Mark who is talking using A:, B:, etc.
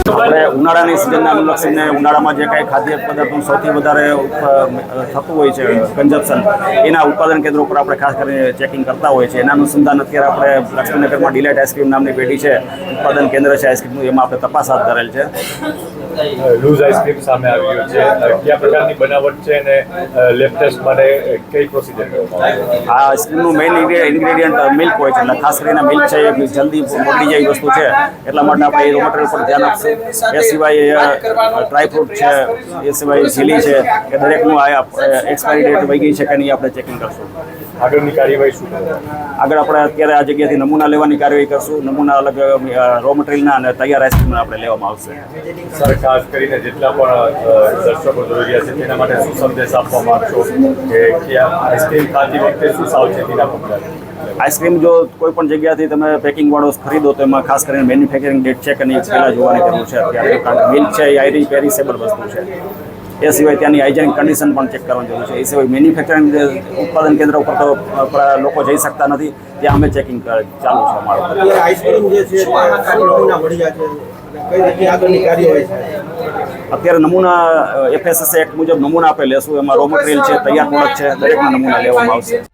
A: આપણે ઉનાળાની સિઝનને અનુલક્ષીને ઉનાળામાં જે કાંઈ ખાદ્ય પદાર્થનું સૌથી વધારે થતું હોય છે કન્ઝપ્શન, એના ઉત્પાદન કેન્દ્રો ઉપર આપણે ખાસ કરીને ચેકિંગ કરતા હોય છે. એના અનુસંધાન અત્યારે આપણે લક્ષ્મીનગરમાં ડિલાઇટ આઈસ્ક્રીમ નામની પેઢી છે, ઉત્પાદન કેન્દ્ર છે આઈસ્ક્રીમનું, એમાં આપણે તપાસ હાથ ધરેલ છે.
B: લૂઝ આઈસ્ક્રીમ સામે આવ્યું છે, કયા પ્રકારની બનાવટ છે અને લેબ ટેસ્ટ માટે કઈ પ્રોસિજર કરવામાં આવે?
A: આ આઈસ્ક્રીમનું મેઇન ઇન્ગ્રેડિયન્ટ મિલ્ક હોય છે, એટલે ખાસ કરીને મિલ્ક છે એ જલ્દી મોકલી જાય વસ્તુ છે, એટલા માટે આપણે એ રો મટીરિયલ પર ધ્યાન આપશું. એ સિવાય ડ્રાયફ્રૂટ છે, એ સિવાય ઝીલી છે, કે દરેકનું એક્સપાયરી ડેટ વહી ગઈ છે કે નહીં આપણે ચેકિંગ કરશું.
B: આગળની કાર્યવાહી શું કરશે?
A: આગળ આપણે અત્યારે આ જગ્યાથી નમૂના લેવાની કાર્યવાહી કરશું. નમૂના અલગ રો મટીરિયલના અને તૈયાર આઈસ્ક્રીમના આપણે લેવામાં આવશે.
B: સર, ખાસ કરીને જેટલા પણ દર્શકો જોઈ રહ્યા છે તેના માટે શું સંદેશ આપવા માંગશો કે આઈસ્ક્રીમ ખાતી વખતે શું સાવચેતીના પગલાં?
A: આઈસ્ક્રીમ જો કોઈ પણ જગ્યાથી તમે પેકિંગવાળો ખરીદો તો એમાં ખાસ કરીને મેન્યુફેક્ચરિંગ ડેટ છે કે નહીં પહેલાં જોવાની જરૂર છે અત્યારે, કારણ કે મિલ્ક છે એ આયરી પેરિસેબલ વસ્તુ છે. એ સિવાય ત્યાંની હાઇજેનિક કન્ડિશન પણ ચેક કરવાની જરૂર છે. એ સિવાય મેન્યુફેક્ચરિંગ ઉત્પાદન કેન્દ્ર ઉપર તો લોકો જઈ શકતા નથી, ત્યાં અમે ચેકિંગ ચાલુ છે અમારું.
C: આઈસ્ક્રીમ જે છે નમૂના મળી જાય છે, કઈ રીતે આગળની કાર્યવાહી થાય?
A: અત્યારે નમૂના FSSAI એક્ટ મુજબ નમૂના આપણે લેશું. એમાં રો મટીરિયલ છે, તૈયાર પ્રોડક્ટ છે, દરેકના નમૂના લેવામાં આવશે.